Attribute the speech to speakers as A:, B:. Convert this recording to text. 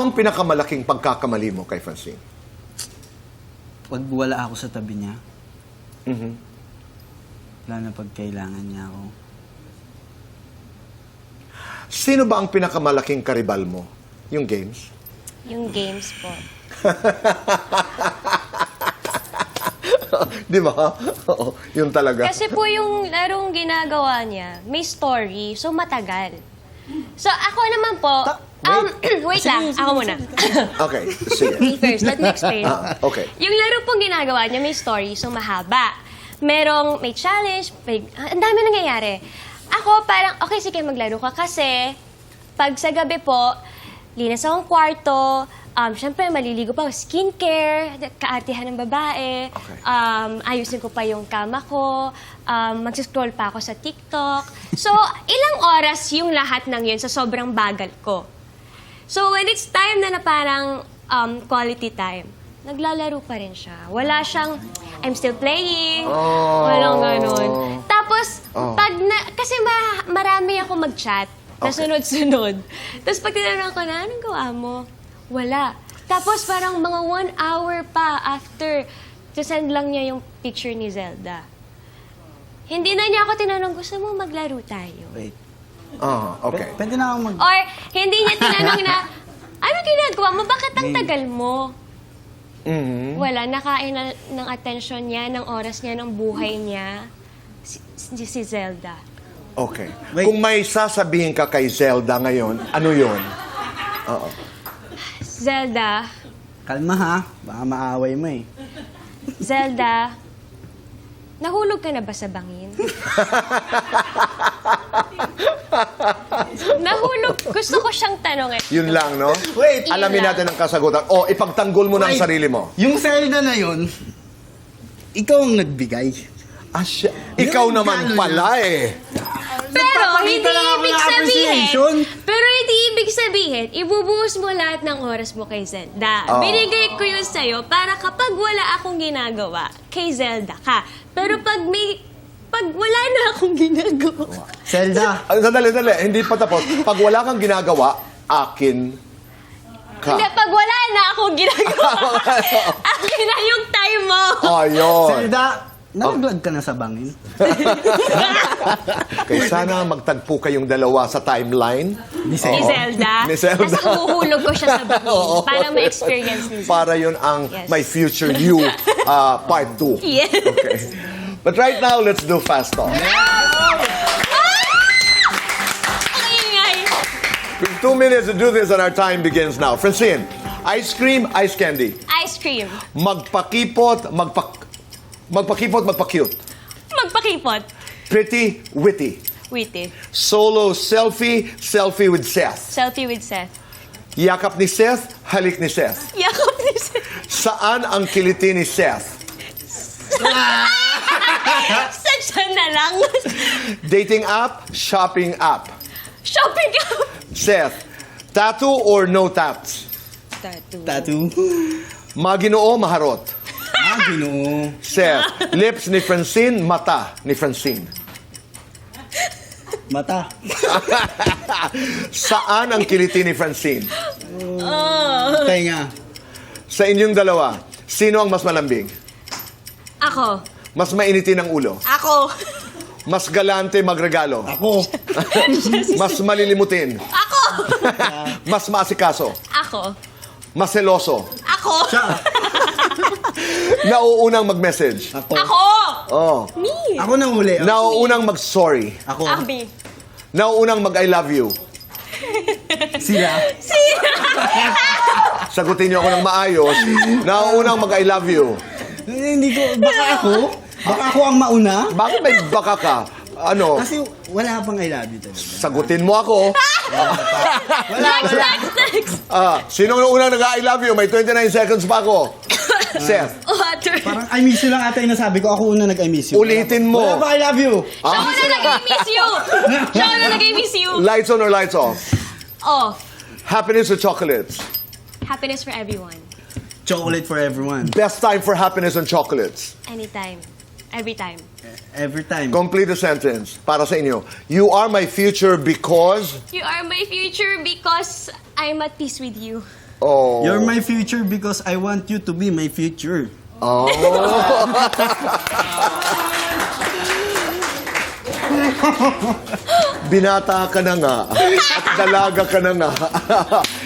A: ang pinakamalaking pagkakamali mo kay Francine?
B: Pag wala ako sa tabi niya,
A: Mhm.
B: wala na pag kailangan niya ako.
A: Sino ba ang pinakamalaking karibal mo? Yung games?
C: Yung games po.
A: Di ba? Oo, yun talaga.
C: Kasi po yung larong ginagawa niya, may story, so matagal. So ako naman po, wait lang, ako muna.
A: Okay, sige.
C: Me first, let me explain.
A: Okay.
C: Yung laro pong ginagawa niya, may story, so mahaba. May challenge, ang dami nangyayari. Ako parang, okay, sige, maglaro ka kasi pag sa gabi po, linas akong kwarto, syempre maliligo pa, skincare, kaartihan ng babae,
A: Okay.
C: Ayusin ko pa yung kama ko, mag-scroll pa ako sa TikTok. So, ilang oras yung lahat ng yun sa sobrang bagal ko. So, when it's time na parang quality time, naglalaro pa rin siya. Wala siyang, I'm still playing, walang ganun. Tapos, kasi marami ako mag-chat, na sunod-sunod. Tapos pag tinanong ko na, anong gawa mo? Wala. Tapos parang mga 1 hour pa after, send lang niya yung picture ni Zelda. Hindi na niya ako tinanong, gusto mo maglaro tayo?
B: Wait.
A: Okay.
B: Pwede na ako
C: Or hindi niya tinanong na, ano ginagawa mo? Bakit ang tagal mo?
A: Mhm.
C: Wala, nakain na ng attention niya, ng oras niya, ng buhay niya, si Zelda.
A: Okay.
B: Wait.
A: Kung may sasabihin ka kay Zelda ngayon, ano yun? Oo.
C: Zelda,
B: Kalma ha, baka maaway mo eh.
C: Zelda, nahulog ka na ba sa bangin? Nahulog, gusto ko siyang tanongin.
A: Yun lang, no?
B: Wait.
A: Alamin natin ang kasagutan. O, ipagtanggol mo na ang
B: Wait.
A: sarili mo.
B: Yung Zelda na yun, ikaw ang nagbigay.
A: Ikaw
B: Yung
A: naman
B: gano'n
A: pala eh.
C: Pero hindi
B: Nagpapakita lang ako
C: ibig
B: ng
C: sabihin,
B: appreciation.
C: pero hindi ibig sabihin, ibubuhos mo lahat ng oras mo kay Zelda.
A: Oo.
C: Binigay ko yun sa'yo para kapag wala akong ginagawa, kay Zelda ka. Pero pag wala na akong ginagawa,
B: Zelda,
A: Sandali. Hindi pa tapos. Pag wala kang ginagawa, akin ka.
C: hindi, pag wala na akong ginagawa, akin na yung time mo.
A: Ayun.
B: Zelda, nalaglag ka na sa bangin.
A: Kaya sana magtagpo kayong dalawa sa timeline.
C: Ni Zelda.
A: Ni Zelda.
C: Tapos uhuhulog ko siya sa bangin
A: Oo.
C: para ma-experience ni Zelda.
A: Para yun ang
C: Yes.
A: My Future You Part 2.
C: Yes.
A: Okay. But right now, let's do Fast Talk.
C: Ang ingay.
A: We have 2 minutes to do this and our time begins now. Francine, ice cream, ice candy.
C: Ice cream.
A: Magpakipot, magpa-cute.
C: Magpakipot.
A: Pretty, witty.
C: Witty.
A: Solo selfie, selfie with Seth.
C: Selfie with Seth.
A: Yakap ni Seth, halik ni Seth.
C: Yakap ni Seth.
A: Saan ang kiliti ni Seth?
C: Sadya na lang.
A: Dating app, shopping app.
C: Shopping app.
A: Seth, tattoo or no tats?
B: Tattoo.
A: Maginoo, maharot.
B: Ginoo.
A: Seth, lips ni Francine, mata ni Francine.
B: Mata.
A: Saan ang kiliti ni Francine?
B: Tenga.
A: Sa inyong dalawa, sino ang mas malambing?
C: Ako.
A: Mas mainitin ang ulo?
C: Ako.
A: Mas galante magregalo?
B: Ako.
A: Mas malilimutin?
C: Ako.
A: Mas maasikaso?
C: Ako.
A: Mas seloso?
C: Ako.
A: Nauunang mag-message?
B: Ako.
C: Ako.
A: Oh.
C: Me.
B: Ako na huli.
A: Nauunang mag-sorry?
B: Ako.
C: Abi.
A: Nauunang mag-I love you?
B: Sila.
A: Sagutin niyo ako ng maayos. Nauunang mag-I love you?
B: Hindi ko. Baka ako? Baka ako ang mauna?
A: Bakit may baka ka? Ano?
B: Kasi wala pang I love you talaga.
A: Sagutin mo ako.
C: Next.
A: Sino ang unang nag-I love you? May 29 seconds pa ako. Seth,
C: Water.
B: Parang I miss you lang ata yung nasabi ko. Ako una nag-I miss you.
A: ulitin mo.
B: Wala pa I love you.
C: Siya na nag-miss you. Siya na nag-miss you.
A: Lights on or lights off?
C: Off.
A: Happiness or chocolates?
C: Happiness for everyone.
B: Chocolate for everyone.
A: Best time for happiness and chocolates?
C: Anytime. Every time.
B: Every time.
A: Complete the sentence para sa inyo. You are my future because...
C: You are my future because I'm at peace with you.
A: Oh.
B: You're my future because I want you to be my future.
A: Oh. Binata ka na nga. At dalaga ka na nga.